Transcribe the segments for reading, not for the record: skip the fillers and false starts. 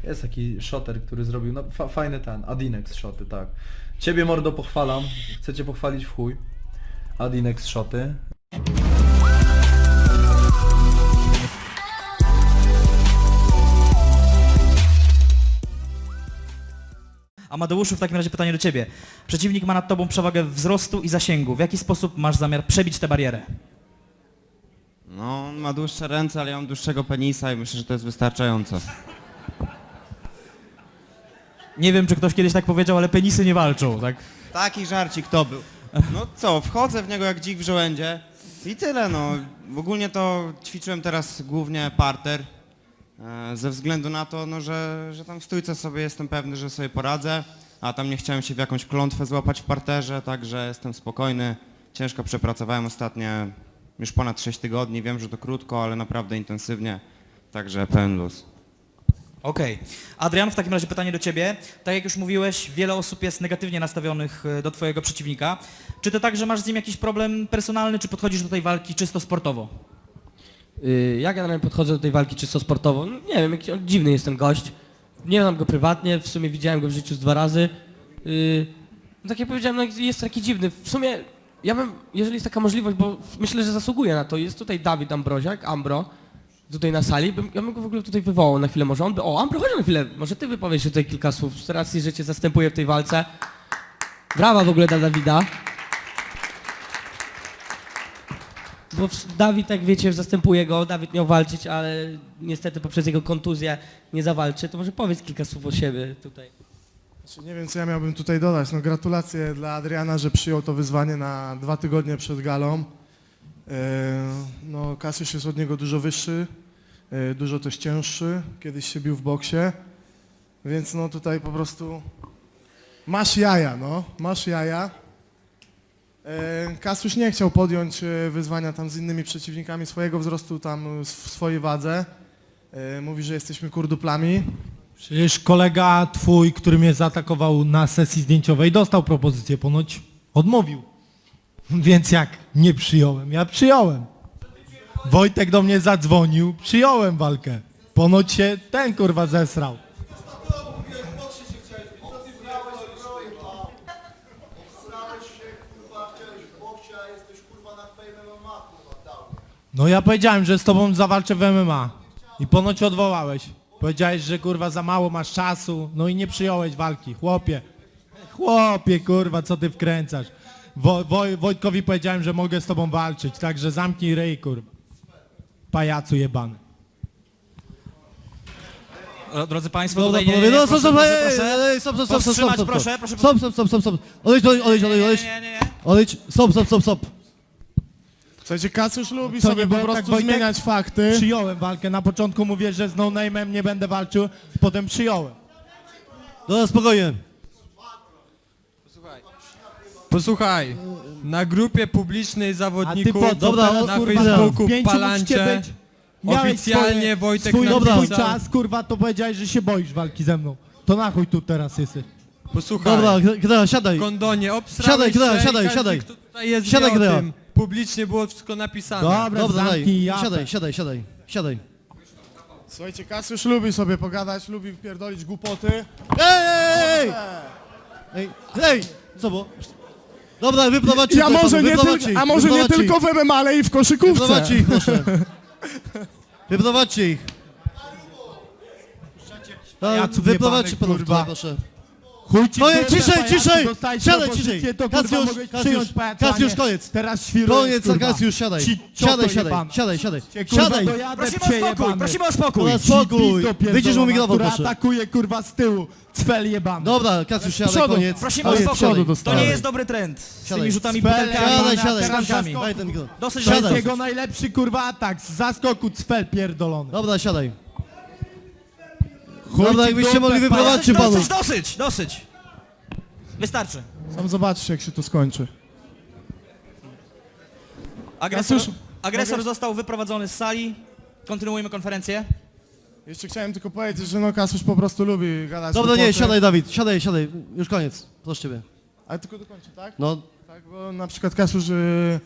Jest taki shoter, który zrobił, no fajny ten, Adinex shoty, tak. Ciebie mordo pochwalam, chcę cię pochwalić w chuj. Adinex shoty. Amadeuszu, w takim razie pytanie do ciebie. Przeciwnik ma nad tobą przewagę wzrostu i zasięgu. W jaki sposób masz zamiar przebić tę barierę? No, on ma dłuższe ręce, ale ja mam dłuższego penisa i myślę, że to jest wystarczające. Nie wiem, czy ktoś kiedyś tak powiedział, ale penisy nie walczą, tak? Taki żarcik to był. No co, wchodzę w niego jak dzik w żołędzie i tyle, no. Ogólnie to ćwiczyłem teraz głównie parter, ze względu na to, no, że tam w stójce sobie jestem pewny, że sobie poradzę, a tam nie chciałem się w jakąś klątwę złapać w parterze, także jestem spokojny. Ciężko przepracowałem ostatnie już ponad 6 tygodni, wiem, że to krótko, ale naprawdę intensywnie, także pełen luz. Okej. Adrian, w takim razie pytanie do ciebie. Tak jak już mówiłeś, wiele osób jest negatywnie nastawionych do twojego przeciwnika. Czy ty także masz z nim jakiś problem personalny, czy podchodzisz do tej walki czysto sportowo? Ja generalnie podchodzę do tej walki czysto sportowo. No, nie wiem, jakiś dziwny jest ten gość. Nie znam go prywatnie, w sumie widziałem go w życiu z 2 razy. No, tak jak powiedziałem, no, jest taki dziwny. W sumie ja bym, jeżeli jest taka możliwość, bo myślę, że zasługuje na to, jest tutaj Dawid Ambroziak, Ambro, tutaj na sali, ja bym go w ogóle tutaj wywołał na chwilę, może on by... O, Ambro, chodź na chwilę, może ty wypowiesz się tutaj kilka słów, z racji, że cię zastępuję w tej walce. Brawa w ogóle dla Dawida. Bo Dawid, jak wiecie, zastępuje go, Dawid miał walczyć, ale niestety poprzez jego kontuzję nie zawalczy. To może powiedz kilka słów o siebie tutaj. Znaczy, nie wiem, co ja miałbym tutaj dodać. No, gratulacje dla Adriana, że przyjął to wyzwanie na 2 tygodnie przed galą. No, Kasiusz jest od niego dużo wyższy, dużo też cięższy. Kiedyś się bił w boksie, więc no tutaj po prostu masz jaja, no, masz jaja. Kasiusz nie chciał podjąć wyzwania tam z innymi przeciwnikami swojego wzrostu tam w swojej wadze. Mówi, że jesteśmy kurduplami. Przecież kolega twój, który mnie zaatakował na sesji zdjęciowej, dostał propozycję, ponoć odmówił. Więc jak nie przyjąłem? Ja przyjąłem. Wojtek do mnie zadzwonił, przyjąłem walkę. Ponoć się ten kurwa zesrał. No ja powiedziałem, że z tobą zawalczę w MMA. I ponoć odwołałeś. Powiedziałeś, że kurwa za mało masz czasu, no i nie przyjąłeś walki. Chłopie, kurwa, co ty wkręcasz? Wojtkowi powiedziałem, że mogę z tobą walczyć, także zamknij ryj, kurwa. Pajacu jebany. Drodzy państwo, Dobra, tutaj panowie, no proszę. stop, Powstrzymać, proszę. stop. Odejdź. Nie. Odejdź, stop. Słuchajcie, Kasiusz lubi Co, sobie nie po było tak, prostu Wojtek? zmieniać fakty. Przyjąłem walkę, na początku mówię, że z no name'em nie będę walczył, potem przyjąłem. Dobra, spokojnie. Posłuchaj, na grupie publicznej zawodników A ty po co Dobra, teraz, na kurwa, Facebooku w pięciu Palancie musicie być? Miałeś oficjalnie Wojtek swój napisał... czas, kurwa, to powiedziałeś, że się boisz walki ze mną. To na chuj tu teraz jesteś. Posłuchaj, Dobra, Gdea, siadaj. kondonie, obsrałeś Siadaj, Gdea, się i siadaj, każdy, siadaj. kto tutaj jest, Siadaj, wie o Gdea. tym. Publicznie było wszystko napisane. Dobra, Dobra, zamknij japę. siadaj. Słuchajcie, Kasiusz lubi sobie pogadać, lubi pierdolić głupoty. Ej, co było? Dobra, wyprowadźcie Ja tutaj może panu, nie, wyprowadźcie ich, a może nie wyprowadźcie tylko w MMA, ale i w koszykówce. Wyprowadźcie ich, proszę. Wyprowadźcie ich. Pajaców Wyprowadźcie jebanych, panów kurwa. tutaj, proszę. Chuj ci Koniec, kurwa, ciszej, pajacu, ciszej! dostałeś Siadaj, propozycję, ciszej! to kurwa Kasiusz, mogłeś przyjąć, pajacu, a Kasiusz, nie. koniec! Teraz świrujesz, Koniec, kurwa. Kasiusz, siadaj! Ci cioto Siadaj! jebana. Siadaj! Kurwa, Siadaj! dojadę, Prosimy o psie spokój, jebany. prosimy o spokój. Dobra, spokój! Pizdo pierdolona, Wyjdziesz mu mikrofon, która proszę. atakuje, kurwa, z tyłu. Cfel jebany. Dobra, Kasiusz, siadaj, przodu. koniec. Prosimy o Koniec, spokój. siadaj. To dostałem. nie jest dobry trend. Z Siadaj. tymi rzutami Cfel, butelkami, Siadaj, terankami. Daj ten mikrofon. Dosyć To jest Siadaj. jego najlepszy, kurwa, atak. Z zaskoku cfel pierdolony. Dobra, siadaj. Chuj Dobra, ci jakbyście dupę, mogli pajacu. wyprowadźcie panów. Dosyć. Wystarczy. Sam zobaczysz, jak się to skończy. Agresor został wyprowadzony z sali. Kontynuujemy konferencję. Jeszcze chciałem tylko powiedzieć, że no Kasiusz po prostu lubi gadać Dobra, nie, głupoty. siadaj, Dawid, siadaj. Już koniec. Proszę ciebie. Ale tylko dokończę, tak? No, Tak, bo na przykład Kasiusz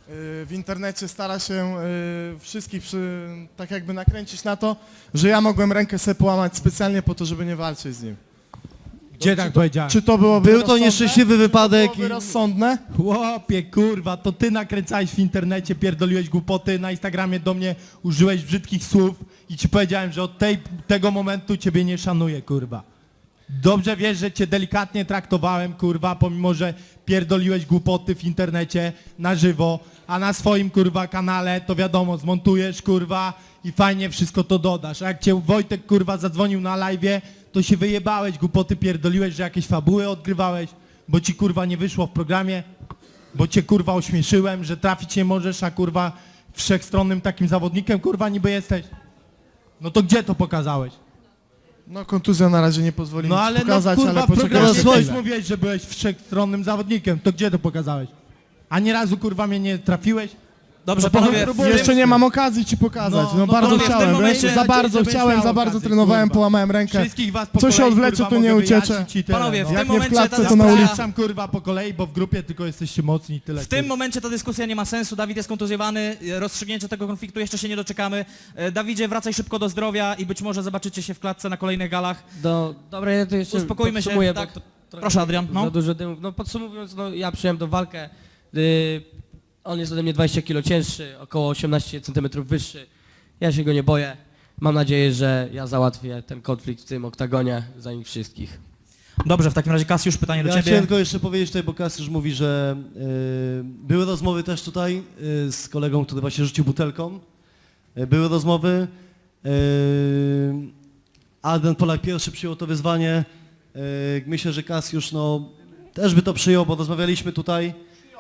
w internecie stara się wszystkich tak jakby nakręcić na to, że ja mogłem rękę sobie połamać specjalnie po to, żeby nie walczyć z nim. Gdzie tak powiedziałem? Czy to byłoby Był to rozsądne? nieszczęśliwy wypadek Czy to byłoby rozsądne? Chłopie, kurwa, to ty nakręcałeś w internecie, pierdoliłeś głupoty, na Instagramie do mnie użyłeś brzydkich słów i ci powiedziałem, że od tego momentu ciebie nie szanuję, kurwa. Dobrze wiesz, że cię delikatnie traktowałem, kurwa, pomimo, że pierdoliłeś głupoty w internecie na żywo, a na swoim, kurwa, kanale to wiadomo, zmontujesz, kurwa, i fajnie wszystko to dodasz. A jak cię Wojtek, kurwa, zadzwonił na live'ie, to się wyjebałeś, głupoty pierdoliłeś, że jakieś fabuły odgrywałeś, bo ci, kurwa, nie wyszło w programie, bo cię, kurwa, ośmieszyłem, że trafić nie możesz, a, kurwa, wszechstronnym takim zawodnikiem, kurwa, niby jesteś. No to gdzie to pokazałeś? No kontuzja na razie nie pozwoli No mi ale pokazać, no kurwa, ale w programie poczekaj. też mówiłeś, że byłeś wszechstronnym zawodnikiem, to gdzie to pokazałeś? Ani razu, kurwa, mnie nie trafiłeś? Dobrze, No to panowie, próbuję. Jeszcze nie mam okazji ci pokazać, no, bardzo panowie, w tym chciałem, momencie- za bardzo Żebyś chciałem, miał za bardzo okazję, trenowałem, kurwa. połamałem rękę. Wszystkich was po Co się kolei, odwlecze, kurwa, to nie mogę uciecze. wyjaśnić i tyle, Panowie, no. w Jak tym nie w momencie klatce, ta to na dyskusja- ulicy. Zapraszam, kurwa, po kolei, bo w grupie tylko jesteście mocni i tyle. W tym kurwa. momencie ta dyskusja nie ma sensu, Dawid jest kontuzjowany, rozstrzygnięcia tego konfliktu jeszcze się nie doczekamy. Dawidzie, wracaj szybko do zdrowia i być może zobaczycie się w klatce na kolejnych galach. Dobra, ja to jeszcze Uspokójmy się, podsumuję, bo tak. to trochę Proszę, Adrian, no. Za dużo dymów. No podsumowując, no ja przyjąłem tą walkę. On jest ode mnie 20 kg cięższy, około 18 cm wyższy. Ja się go nie boję. Mam nadzieję, że ja załatwię ten konflikt w tym oktagonie za nich wszystkich. Dobrze, w takim razie Kasiusz, pytanie do Ja ciebie. chciałem tylko jeszcze powiedzieć tutaj, bo Kasiusz mówi, że były rozmowy też tutaj z kolegą, który właśnie rzucił butelką. Były rozmowy. Adrian Polak pierwszy przyjął to wyzwanie. Myślę, że Kasiusz no, też by to przyjął, bo rozmawialiśmy tutaj.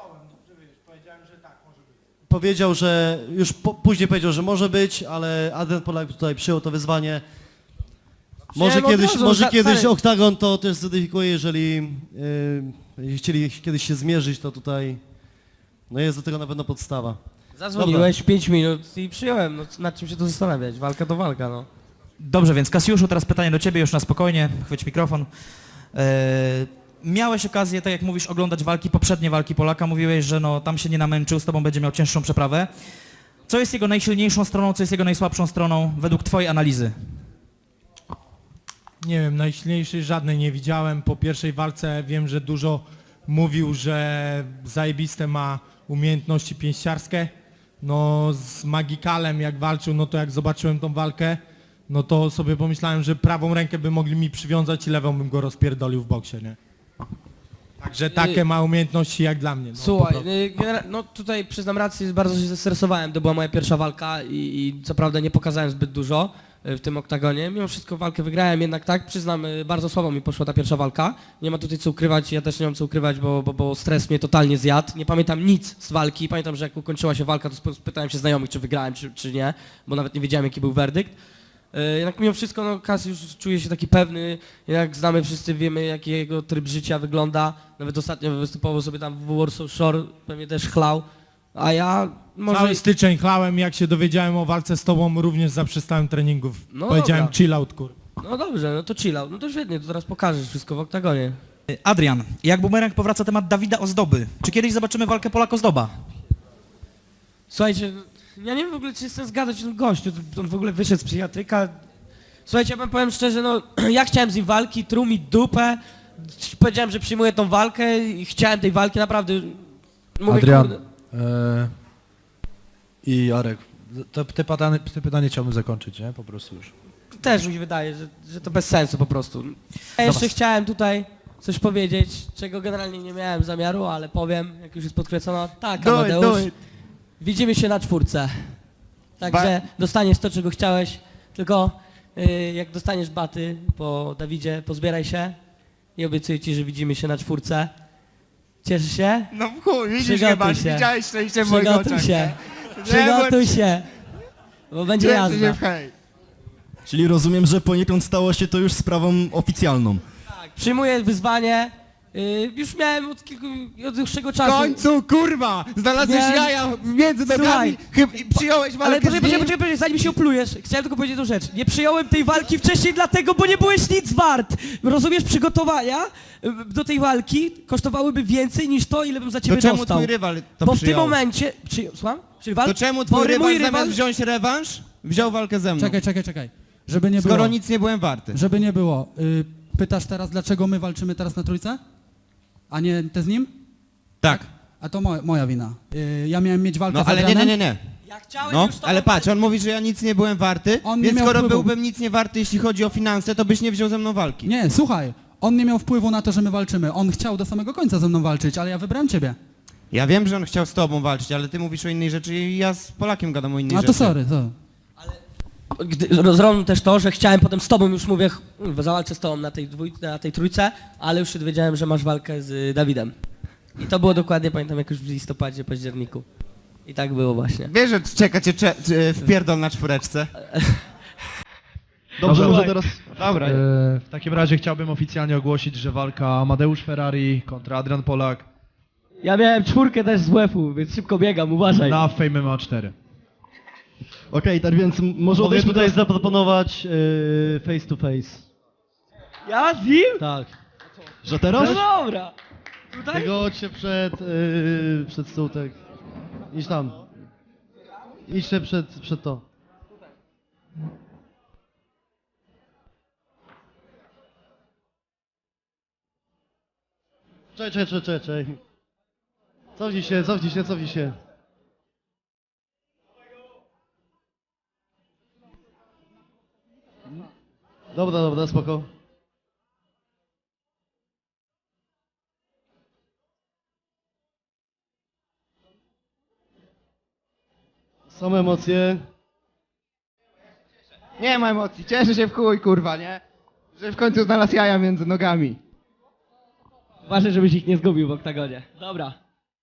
Powiedział, że już później powiedział, że może być, ale Adrian Polak tutaj przyjął to wyzwanie. Może Przyjąłem od razu, kiedyś stary. oktagon to też zweryfikuje, jeżeli chcieli kiedyś się zmierzyć, to tutaj no jest do tego na pewno podstawa. Zadzwoniłeś 5 minut i przyjąłem. No nad czym się tu zastanawiać? Walka to walka, no. Dobrze, więc Kasiuszu, teraz pytanie do ciebie, już na spokojnie, chwyć mikrofon. Miałeś okazję, tak jak mówisz, oglądać poprzednie walki Polaka, mówiłeś, że no, tam się nie namęczył, z tobą będzie miał cięższą przeprawę. Co jest jego najsilniejszą stroną, co jest jego najsłabszą stroną według twojej analizy? Nie wiem, najsilniejszej żadnej nie widziałem. Po pierwszej walce wiem, że dużo mówił, że zajebiste ma umiejętności pięściarskie. No z Magikalem jak walczył, no to jak zobaczyłem tą walkę, no to sobie pomyślałem, że prawą rękę by mogli mi przywiązać i lewą bym go rozpierdolił w boksie, nie? Także takie ma umiejętności jak dla mnie. No, po Słuchaj, prostu. no tutaj przyznam rację, bardzo się zestresowałem, to była moja pierwsza walka i co prawda nie pokazałem zbyt dużo w tym oktagonie. Mimo wszystko walkę wygrałem, jednak tak, przyznam, bardzo słabo mi poszła ta pierwsza walka. Nie ma tutaj co ukrywać, ja też nie mam co ukrywać, bo stres mnie totalnie zjadł. Nie pamiętam nic z walki, pamiętam, że jak ukończyła się walka, to spytałem się znajomych, czy wygrałem, czy nie, bo nawet nie wiedziałem, jaki był werdykt. Jednak mimo wszystko, no Kasiusz czuje się taki pewny, jak znamy wszyscy, wiemy jaki jego tryb życia wygląda. Nawet ostatnio występował sobie tam w Warsaw Shore, pewnie też chlał, a ja może... Cały styczeń chlałem, jak się dowiedziałem o walce z tobą, również zaprzestałem treningów. No Powiedziałem dobra. chill out, kur. No dobrze, no to chill out, no to świetnie, to teraz pokażesz wszystko w oktagonie. Adrian, jak bumerang powraca temat Dawida Ozdoby. Czy kiedyś zobaczymy walkę Polak-Ozdoba? Słuchajcie, ja nie wiem w ogóle, czy jestem zgadzać o tym gościu, on w ogóle wyszedł z psychiatryka. Słuchajcie, ja wam powiem szczerze, no ja chciałem z nim walki, truł mi dupę, powiedziałem, że przyjmuję tą walkę i chciałem tej walki, naprawdę. Mówię, Adrian kurde, i Arek, te pytanie chciałbym zakończyć, nie? Po prostu już. też mi się wydaje, że to bez sensu po prostu. Ja jeszcze chciałem tutaj coś powiedzieć, czego generalnie nie miałem zamiaru, ale powiem, jak już jest podkreślono. Tak, Amadeusz, widzimy się na 4. Także dostaniesz to, czego chciałeś, tylko jak dostaniesz baty po Dawidzie, pozbieraj się i obiecuję ci, że widzimy się na 4. Cieszysz się? No w chuj, widzisz Przygotuj chyba, się. widziałeś szczęście w moich Przygotuj oczach. się, przygotuj się, bo będzie Kręcę się jazda. w hej. Czyli rozumiem, że poniekąd stało się to już sprawą oficjalną. Tak, przyjmuję wyzwanie Już miałem od dłuższego W czasu. końcu, kurwa! Znalazłeś Miałem- jaja między nogami i przyjąłeś walkę Ale z nim? poczekaj, zanim się oplujesz, chciałem tylko powiedzieć jedną rzecz. Nie przyjąłem tej walki wcześniej dlatego, bo nie byłeś nic wart. Rozumiesz, przygotowania do tej walki kosztowałyby więcej niż to, ile bym za ciebie To czemu dostał. twój rywal to Bo w tym przyjął? momencie... Słucham? Rywal? To czemu Bo twój rywal mój zamiast wziąć rewanż, wziął walkę ze mną? Czekaj. Żeby nie Skoro było. nic nie byłem warty. Żeby nie było. Pytasz teraz, dlaczego my walczymy teraz na trójce? A nie te z nim? Tak. A to moja wina. Ja miałem mieć walkę No z ale Adrianem. nie. Ja chciałem No, już to ale patrz, on mówi, że ja nic nie byłem warty, On nie więc miał skoro wpływu. byłbym nic nie warty, jeśli chodzi o finanse, to byś nie wziął ze mną walki. Nie, słuchaj. On nie miał wpływu na to, że my walczymy. On chciał do samego końca ze mną walczyć, ale ja wybrałem ciebie. Ja wiem, że on chciał z tobą walczyć, ale ty mówisz o innej rzeczy i ja z Polakiem gadam o innej A rzeczy. to sorry. Zrobił też to, że chciałem potem z tobą już mówię, zawalczę z tobą na tej trójce, ale już się dowiedziałem, że masz walkę z Dawidem. I to było dokładnie, pamiętam, jak już w listopadzie, październiku. I tak było właśnie. Wiesz, że czeka cię wpierdol na czwóreczce. Dobrze, może teraz... Dobra. W takim razie chciałbym oficjalnie ogłosić, że walka Amadeusz Ferrari kontra Adrian Polak Ja miałem 4 też z WF-u, więc szybko biegam, uważaj. na Fame MMA 4. Okej, tak więc może Mogę tutaj tutaj zaproponować face to face. Ja z nim? Tak. Że teraz? No dobra. Tutaj? Tego chodźcie przed stół, tak. Idź tam. Idźcie przed to. Czekaj. Cofnij się. Dobra, spoko. Same emocje. Nie ma emocji, cieszę się w chuj, kurwa, nie? Że w końcu znalazł jaja między nogami. Uważaj, żebyś ich nie zgubił w oktagonie. Dobra.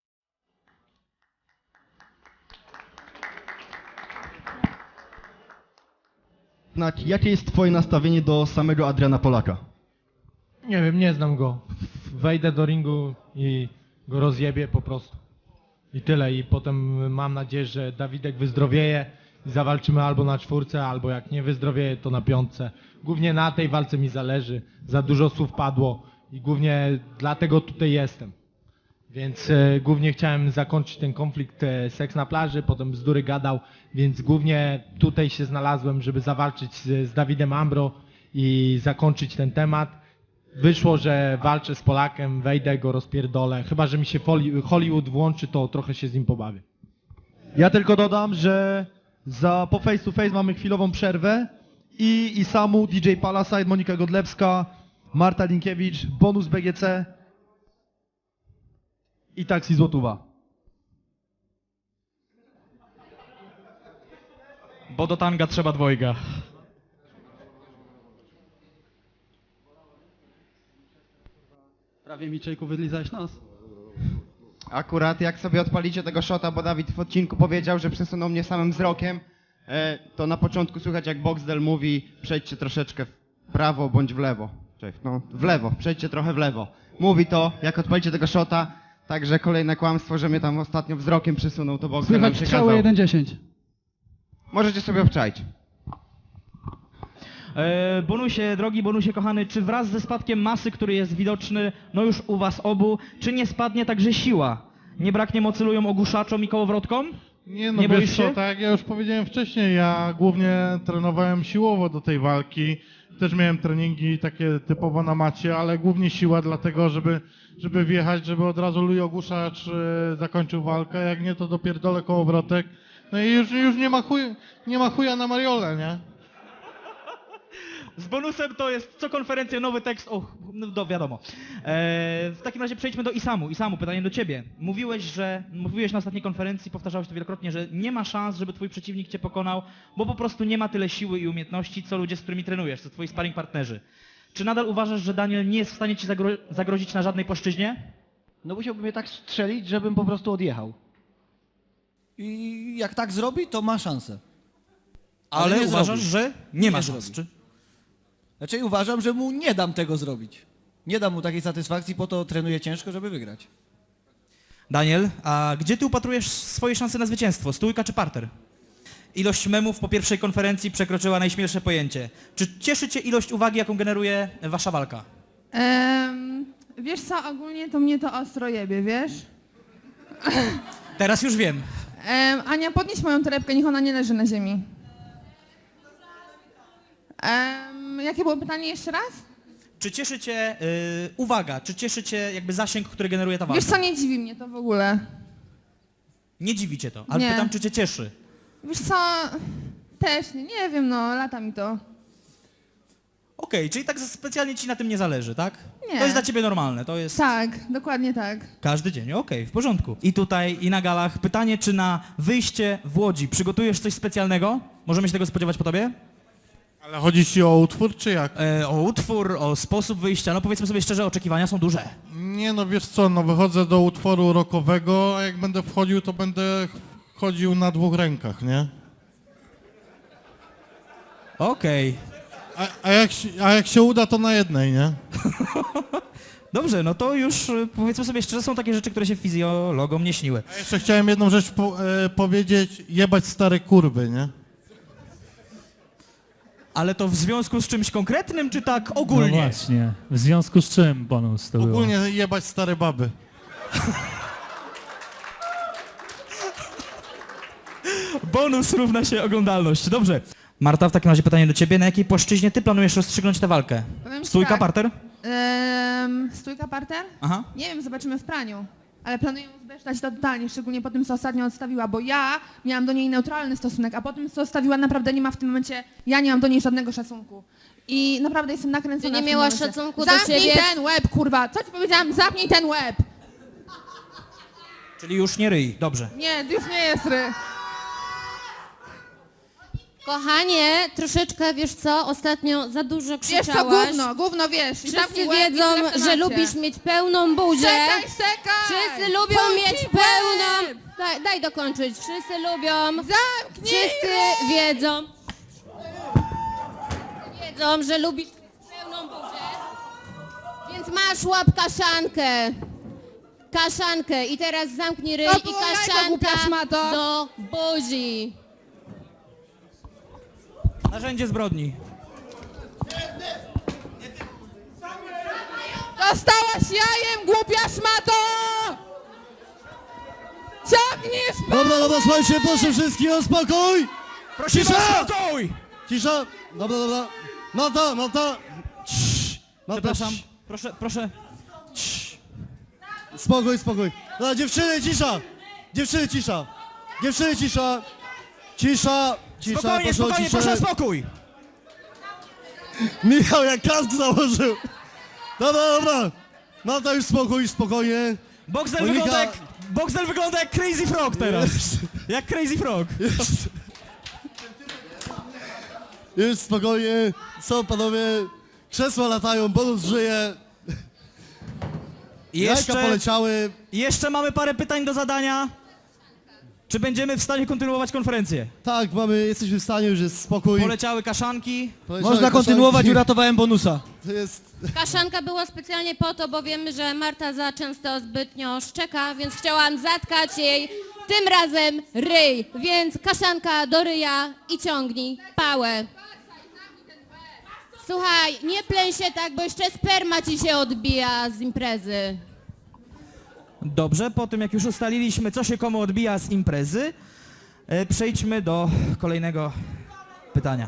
Jakie jest twoje nastawienie do samego Adriana Polaka? Nie wiem, nie znam go. Wejdę do ringu i go rozjebię po prostu. I tyle. I potem mam nadzieję, że Dawidek wyzdrowieje i zawalczymy albo na 4, albo jak nie wyzdrowieje, to na 5. Głównie na tej walce mi zależy. Za dużo słów padło i głównie dlatego tutaj jestem. Więc głównie chciałem zakończyć ten konflikt seks na plaży, potem bzdury gadał, więc głównie tutaj się znalazłem, żeby zawalczyć z Dawidem Ambro i zakończyć ten temat. Wyszło, że walczę z Polakiem, wejdę, go rozpierdolę. Chyba że mi się Hollywood włączy, to trochę się z nim pobawię. Ja tylko dodam, że po face to face mamy chwilową przerwę i Samu, DJ Palasite, Monika Godlewska, Marta Linkiewicz, bonus BGC i taksi złotówa. Bo do tanga trzeba dwojga. Prawie mi, Czejku, wylizałeś nos. Akurat jak sobie odpalicie tego shota, bo Dawid w odcinku powiedział, że przesunął mnie samym wzrokiem, to na początku słychać jak Boxdel mówi, przejdźcie troszeczkę w prawo bądź w lewo. Cześć, no w lewo, przejdźcie trochę w lewo. Mówi to, jak odpalicie tego shota, także kolejne kłamstwo, że mnie tam ostatnio wzrokiem przesunął, to Boxdel nam Słychać przekazał. strzały 1-10. Możecie sobie obczaić. Bonusie, drogi Bonusie kochany, czy wraz ze spadkiem masy, który jest widoczny, no już u was obu, czy nie spadnie także siła? Nie braknie mocy lujom, ogłuszaczom i kołowrotkom? Nie no, Nie wiesz boisz co, się? tak jak ja już powiedziałem wcześniej, ja głównie trenowałem siłowo do tej walki. Też miałem treningi takie typowo na macie, ale głównie siła dlatego, żeby wjechać, żeby od razu Luj Ogłuszacz zakończył walkę, jak nie to dopierdolę kołowrotek. No i już nie ma chuja na Mariolę, nie? Z bonusem to jest co konferencja nowy tekst, no wiadomo. W takim razie przejdźmy do Isamu. Isamu, pytanie do ciebie. Mówiłeś na ostatniej konferencji, powtarzałeś to wielokrotnie, że nie ma szans, żeby twój przeciwnik cię pokonał, bo po prostu nie ma tyle siły i umiejętności, co ludzie, z którymi trenujesz, co twoi sparring partnerzy. Czy nadal uważasz, że Daniel nie jest w stanie ci zagrozić na żadnej płaszczyźnie? No musiałby mnie tak strzelić, żebym po prostu odjechał. I jak tak zrobi, to ma szansę. Ale nie uważasz, zrobi. że nie ma Nie szans, zrobi. czy? Znaczy uważam, że mu nie dam tego zrobić. Nie dam mu takiej satysfakcji, po to trenuję ciężko, żeby wygrać. Daniel, a gdzie ty upatrujesz swoje szanse na zwycięstwo? Stójka czy parter? Ilość memów po pierwszej konferencji przekroczyła najśmielsze pojęcie. Czy cieszy cię ilość uwagi, jaką generuje wasza walka? Wiesz co, ogólnie to mnie to ostro jebie, wiesz? Teraz już wiem. Ania, podnieś moją torebkę, niech ona nie leży na ziemi. Jakie było pytanie jeszcze raz? Czy cieszy cię uwaga, czy cieszy cię jakby zasięg, który generuje ta walka? Wiesz co, nie dziwi mnie to w ogóle. Nie dziwi cię to, ale Nie. pytam, czy cię cieszy. Wiesz co, też nie wiem, no, lata mi to. Okej, czyli tak specjalnie ci na tym nie zależy, tak? Nie. To jest dla ciebie normalne, to jest Tak, dokładnie tak. każdy dzień, okej, w porządku. I tutaj, i na galach, pytanie, czy na wyjście w Łodzi przygotujesz coś specjalnego? Możemy się tego spodziewać po tobie? Ale chodzi ci o utwór, czy jak? O utwór, o sposób wyjścia, no powiedzmy sobie szczerze, oczekiwania są duże. Nie no, wiesz co, no wychodzę do utworu rockowego, a jak będę wchodził, to będę chodził na 2 rękach, nie? Okej. A jak się uda, to na jednej, nie? Dobrze, no to już powiedzmy sobie szczerze, są takie rzeczy, które się fizjologom nie śniły. A jeszcze chciałem jedną rzecz powiedzieć, jebać stare kurwy, nie? Ale to w związku z czymś konkretnym, czy tak ogólnie? No właśnie, w związku z czym bonus to było? Ogólnie jebać stare baby. Bonus równa się oglądalność. Dobrze. Marta, w takim razie pytanie do ciebie. Na jakiej płaszczyźnie ty planujesz rozstrzygnąć tę walkę? Powiem ci Stójka, tak. parter? Stójka, parter? Aha. Nie wiem, zobaczymy w praniu. Ale planuję zbesztać to totalnie, szczególnie po tym, co ostatnio odstawiła, bo ja miałam do niej neutralny stosunek, a po tym, co odstawiła, naprawdę nie ma w tym momencie, ja nie mam do niej żadnego szacunku. I naprawdę jestem nakręcona. Ty nie w tym miałaś momencie. szacunku do Zamknij siebie? ten łeb, kurwa! Co ci powiedziałam? Zamknij ten łeb! Czyli już nie ryj. Dobrze. Nie, to już nie jest ry. Kochanie, troszeczkę, wiesz co, ostatnio za dużo Wiesz co, krzyczałaś. gówno, wiesz. I Wszyscy zamknij łeb i wiedzą, tyle w że temacie. lubisz mieć pełną buzię. Czekaj! Wszyscy lubią mieć Zamknij pełną... łeb! Daj dokończyć. Wszyscy lubią... Zamknij Wszyscy wiedzą... Wiedzą, że lubisz pełną buzię. Więc masz łap kaszankę. Kaszankę. I teraz zamknij ryj To i było jajko, głupia kaszanka szmato. do buzi. Narzędzie zbrodni. Dostałaś jajem, głupia szmato! Ciągniesz Dobra, słuchajcie, proszę wszystkich o spokój! Prosimy Cisza! o spokój! Cisza! Dobra. Malta! Cii. Malta, Przepraszam, cii. proszę. Spokój. Dobra, dziewczyny, cisza! Dziewczyny, cisza! Cisza! Spokojnie, proszę o ciszę. proszę o spokój! Michał, jak kask założył! Dobra. Malta, już spokojnie. Boxdel Monika- wygląda jak Crazy Frog teraz. Jak Crazy Frog. Już spokojnie. Co, panowie? Krzesła latają, bonus żyje. Jajka poleciały. Jeszcze mamy parę pytań do zadania. Czy będziemy w stanie kontynuować konferencję? Tak, jesteśmy w stanie, już jest spokój. Poleciały kaszanki. Poleciały Można kontynuować, kaszanki. uratowałem bonusa. To jest... Kaszanka była specjalnie po to, bo wiemy, że Marta za często zbytnio szczeka, więc chciałam zatkać jej tym razem ryj. Więc kaszanka do ryja i ciągnij pałę. Słuchaj, nie pleń się tak, bo jeszcze sperma ci się odbija z imprezy. Dobrze, po tym jak już ustaliliśmy, co się komu odbija z imprezy, przejdźmy do kolejnego pytania.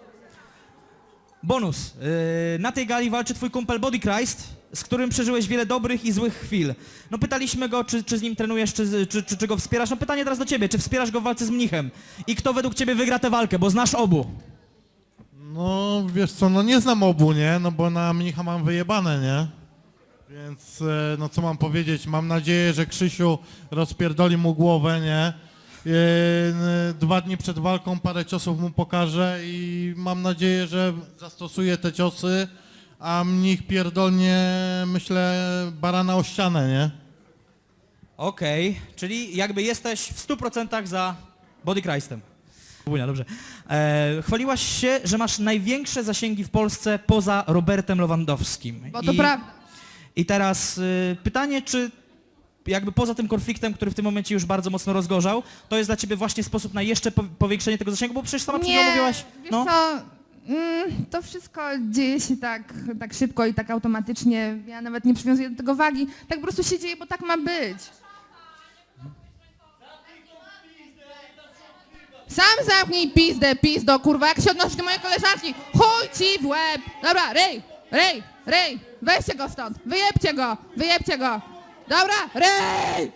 Bonus. Na tej gali walczy twój kumpel Body Christ, z którym przeżyłeś wiele dobrych i złych chwil. No pytaliśmy go, czy z nim trenujesz, czy go wspierasz. No pytanie teraz do ciebie, czy wspierasz go w walce z mnichem? I kto według ciebie wygra tę walkę, bo znasz obu. No wiesz co, no nie znam obu, nie? No bo na mnicha mam wyjebane, nie? Więc no co mam powiedzieć, mam nadzieję, że Krzysiu rozpierdoli mu głowę, nie? 2 dni przed walką parę ciosów mu pokażę i mam nadzieję, że zastosuje te ciosy, a mnich pierdolnie, myślę, barana o ścianę, nie? Okej, czyli jakby jesteś w 100% za Body Christem. Dobrze. Chwaliłaś się, że masz największe zasięgi w Polsce poza Robertem Lewandowskim. Bo to prawda. I teraz pytanie, czy jakby poza tym konfliktem, który w tym momencie już bardzo mocno rozgorzał, to jest dla ciebie właśnie sposób na jeszcze powiększenie tego zasięgu, bo przecież sama przed chwilą mówiłaś... Wiesz co, to wszystko dzieje się tak szybko i tak automatycznie. Ja nawet nie przywiązuję do tego wagi. Tak po prostu się dzieje, bo tak ma być. Sam zamknij pizdo, kurwa, jak się odnosisz do mojej koleżanki. Chuj ci w łeb. Dobra, ryj, weźcie go stąd, wyjebcie go. Dobra, ryj!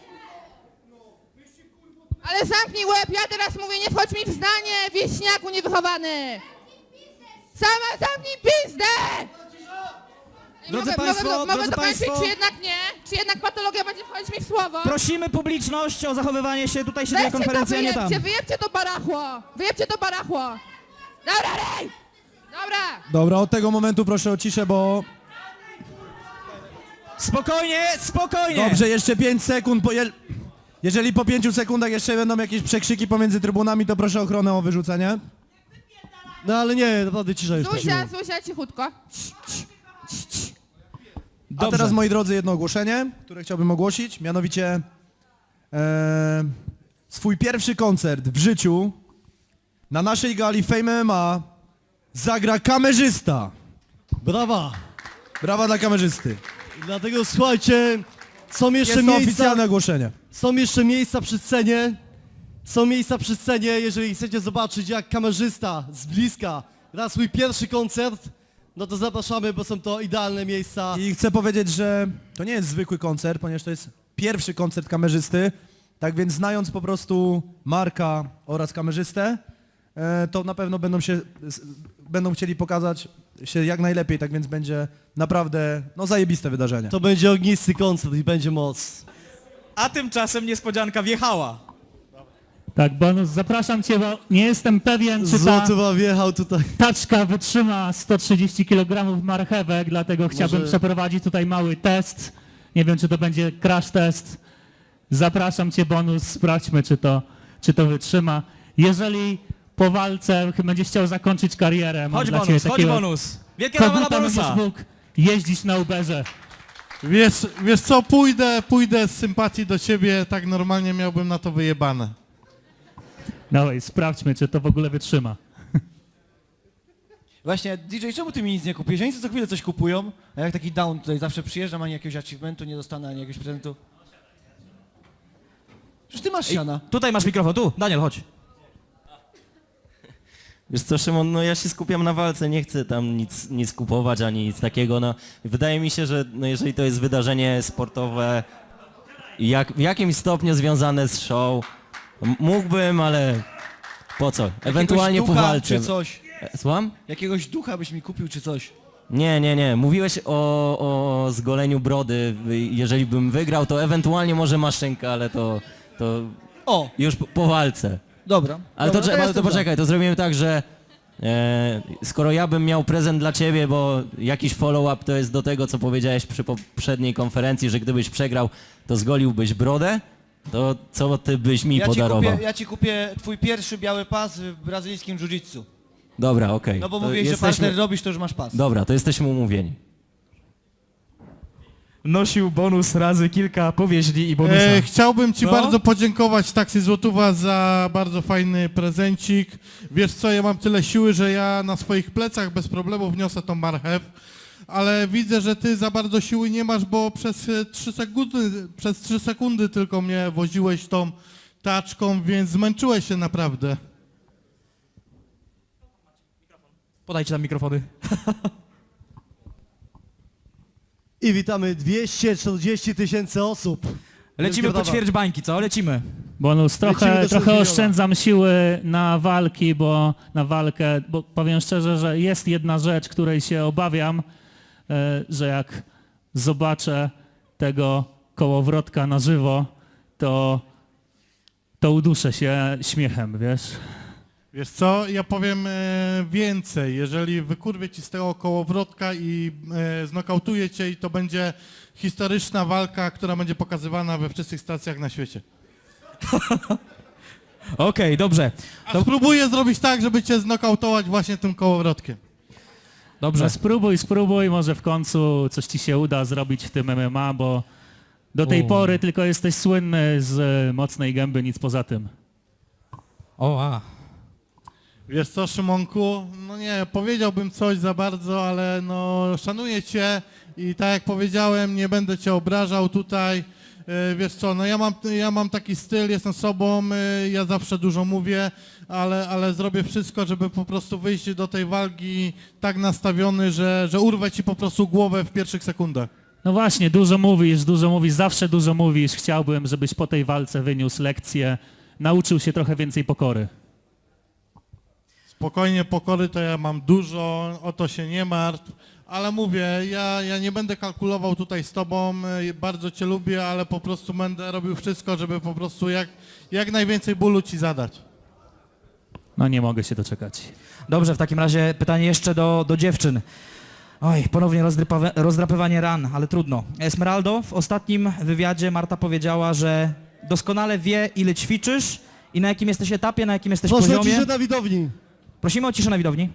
Ale zamknij łeb, ja teraz mówię, nie wchodź mi w zdanie, wieśniaku niewychowany. Sama zamknij pizdę! Drodzy Mogę państwo, to kończyć, państwo, czy jednak nie? Czy jednak patologia będzie wchodzić mi w słowo? prosimy publiczność o zachowywanie się, tutaj się dzieje Weźcie to, konferencja, nie tam. wyjebcie to barachło! Dobra, ryj! Dobra! Dobra, od tego momentu proszę o ciszę, bo... Spokojnie! Dobrze, jeszcze 5 sekund, jeżeli po 5 sekundach jeszcze będą jakieś przekrzyki pomiędzy trybunami, to proszę ochronę o wyrzucenie. No ale nie, naprawdę cisza już. Zuzia, cichutko. A teraz, moi drodzy, jedno ogłoszenie, które chciałbym ogłosić, mianowicie swój pierwszy koncert w życiu na naszej gali Fame MMA zagra kamerzysta. Brawa! Brawa dla kamerzysty. Dlatego słuchajcie, są jeszcze Jest to miejsca... oficjalne ogłoszenie. Są jeszcze miejsca przy scenie. Są miejsca przy scenie, jeżeli chcecie zobaczyć, jak kamerzysta z bliska gra swój pierwszy koncert, no to zapraszamy, bo są to idealne miejsca. I chcę powiedzieć, że to nie jest zwykły koncert, ponieważ to jest pierwszy koncert kamerzysty, tak więc znając po prostu Marka oraz kamerzystę, to na pewno będą chcieli pokazać się jak najlepiej, tak więc będzie naprawdę zajebiste wydarzenie. To będzie ognisty koncert i będzie moc. A tymczasem niespodzianka wjechała. Tak, Bonus, zapraszam cię, bo nie jestem pewien, czy ta Złotowa wjechał tutaj. taczka wytrzyma 130 kg marchewek, dlatego chciałbym przeprowadzić tutaj mały test. Nie wiem, czy to będzie crash test. Zapraszam cię, Bonus, sprawdźmy, czy to wytrzyma. Jeżeli po walce będziesz chciał zakończyć karierę, mam Chodź dla Bonus, ciebie chodź takiego Bonus. Wielkie brawa dla koguta, Bonusa. będziesz mógł jeździć na Uberze. Wiesz co, pójdę z sympatii do ciebie, tak normalnie miałbym na to wyjebane. Dawaj, sprawdźmy, czy to w ogóle wytrzyma. Właśnie, DJ, czemu ty mi nic nie kupujesz? Oni co chwilę coś kupują, a jak taki down tutaj zawsze przyjeżdżam, ani jakiegoś achievementu nie dostanę, ani jakiegoś prezentu. Przecież ty masz siana. Tutaj masz mikrofon, tu, Daniel, chodź. Wiesz co, Szymon, no ja się skupiam na walce, nie chcę tam nic kupować ani nic takiego, no. Wydaje mi się, że jeżeli to jest wydarzenie sportowe, w jakimś stopniu związane z show, mógłbym, ale po co? Ewentualnie po walce. Czy coś. Słucham? Jakiegoś ducha byś mi kupił, czy coś. Nie. Mówiłeś o zgoleniu brody. Jeżeli bym wygrał, to ewentualnie może maszynka, ale to już po walce. Dobra. Ale to poczekaj, to zrobimy tak, że skoro ja bym miał prezent dla ciebie, bo jakiś follow-up to jest do tego, co powiedziałeś przy poprzedniej konferencji, że gdybyś przegrał, to zgoliłbyś brodę, to co ty byś mi podarował? Ja ci kupię twój pierwszy biały pas w brazylijskim jiu-jitsu. Dobra, okej. No bo To mówiłeś, że partner robisz, to już masz pas. Dobra, to jesteśmy umówieni. Nosił Bonus razy kilka powieźli i bonusa. Chciałbym ci bardzo podziękować, Taksy Złotówa, za bardzo fajny prezencik. Wiesz co, ja mam tyle siły, że ja na swoich plecach bez problemu wniosę tą marchew, ale widzę, że ty za bardzo siły nie masz, bo przez 3 sekundy tylko mnie woziłeś tą taczką, więc zmęczyłeś się naprawdę. Podajcie nam mikrofony. I witamy 240 000 osób. Lecimy po ćwierć bańki, co? Lecimy. Bonus, trochę oszczędzam siły na walkę, bo powiem szczerze, że jest jedna rzecz, której się obawiam, że jak zobaczę tego kołowrotka na żywo, to uduszę się śmiechem, wiesz? Wiesz co, ja powiem więcej. Jeżeli wykurwię ci z tego kołowrotka i znokautuję cię, i to będzie historyczna walka, która będzie pokazywana we wszystkich stacjach na świecie. Okej, dobrze. A spróbuję zrobić tak, żeby cię znokautować właśnie tym kołowrotkiem. Dobrze. No spróbuj, może w końcu coś ci się uda zrobić w tym MMA, bo do tej pory tylko jesteś słynny z mocnej gęby, nic poza tym. Wiesz co, Szymonku, no nie, powiedziałbym coś za bardzo, ale no szanuję cię i tak jak powiedziałem, nie będę cię obrażał tutaj. Wiesz co, no ja mam taki styl, jestem sobą, ja zawsze dużo mówię, ale zrobię wszystko, żeby po prostu wyjść do tej walki tak nastawiony, że urwę ci po prostu głowę w pierwszych sekundach. No właśnie, dużo mówisz, zawsze dużo mówisz. Chciałbym, żebyś po tej walce wyniósł lekcję, nauczył się trochę więcej pokory. Spokojnie, pokory to ja mam dużo, o to się nie martw, ale mówię, ja nie będę kalkulował tutaj z tobą, bardzo cię lubię, ale po prostu będę robił wszystko, żeby po prostu jak najwięcej bólu ci zadać. No nie mogę się doczekać. Dobrze, w takim razie pytanie jeszcze do dziewczyn. Oj, ponownie rozdrapywanie ran, ale trudno. Esmeraldo, w ostatnim wywiadzie Marta powiedziała, że doskonale wie, ile ćwiczysz i na jakim jesteś etapie, na jakim jesteś Proszę o poziomie. ciszę na widowni. Prosimy o ciszę na widowni.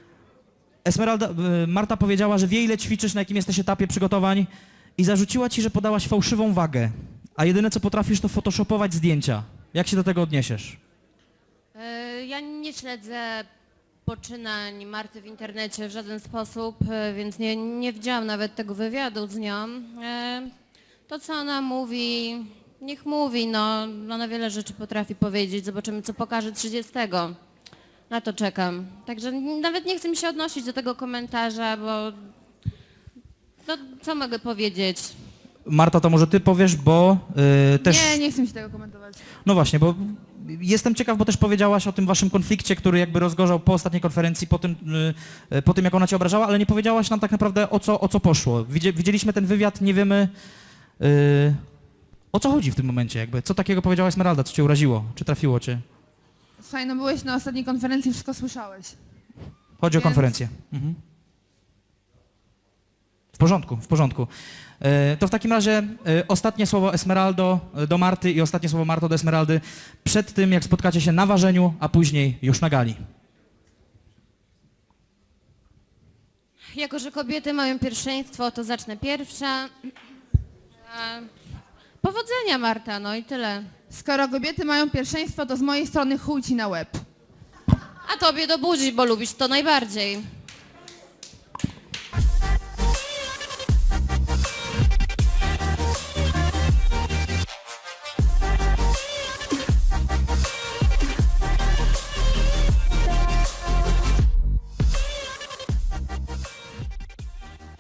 Marta powiedziała, że wie, ile ćwiczysz, na jakim jesteś etapie przygotowań i zarzuciła ci, że podałaś fałszywą wagę, a jedyne, co potrafisz, to photoshopować zdjęcia. Jak się do tego odniesiesz? Ja nie śledzę poczynań Marty w internecie w żaden sposób, więc nie widziałam nawet tego wywiadu z nią. To, co ona mówi, niech mówi, no ona wiele rzeczy potrafi powiedzieć, zobaczymy, co pokaże 30. Na to czekam. Także nawet nie chcę mi się odnosić do tego komentarza, bo no, co mogę powiedzieć? Marta, to może ty powiesz, bo też... Nie chcę mi się tego komentować. No właśnie, bo jestem ciekaw, bo też powiedziałaś o tym waszym konflikcie, który jakby rozgorzał po ostatniej konferencji, po tym jak ona cię obrażała, ale nie powiedziałaś nam tak naprawdę o co poszło. Widzieliśmy ten wywiad, nie wiemy o co chodzi w tym momencie jakby. Co takiego powiedziała Esmeralda, co cię uraziło, czy trafiło cię? Słuchaj, no byłeś na ostatniej konferencji, wszystko słyszałeś. Chodzi o Więc- konferencję. Mhm. W porządku. To w takim razie ostatnie słowo Esmeraldo do Marty i ostatnie słowo Marto do Esmeraldy przed tym, jak spotkacie się na ważeniu, a później już na gali. Jako że kobiety mają pierwszeństwo, to zacznę pierwsza. Powodzenia, Marta, no i tyle. Skoro kobiety mają pierwszeństwo, to z mojej strony chuj ci na łeb. A tobie do buzi, bo lubisz to najbardziej.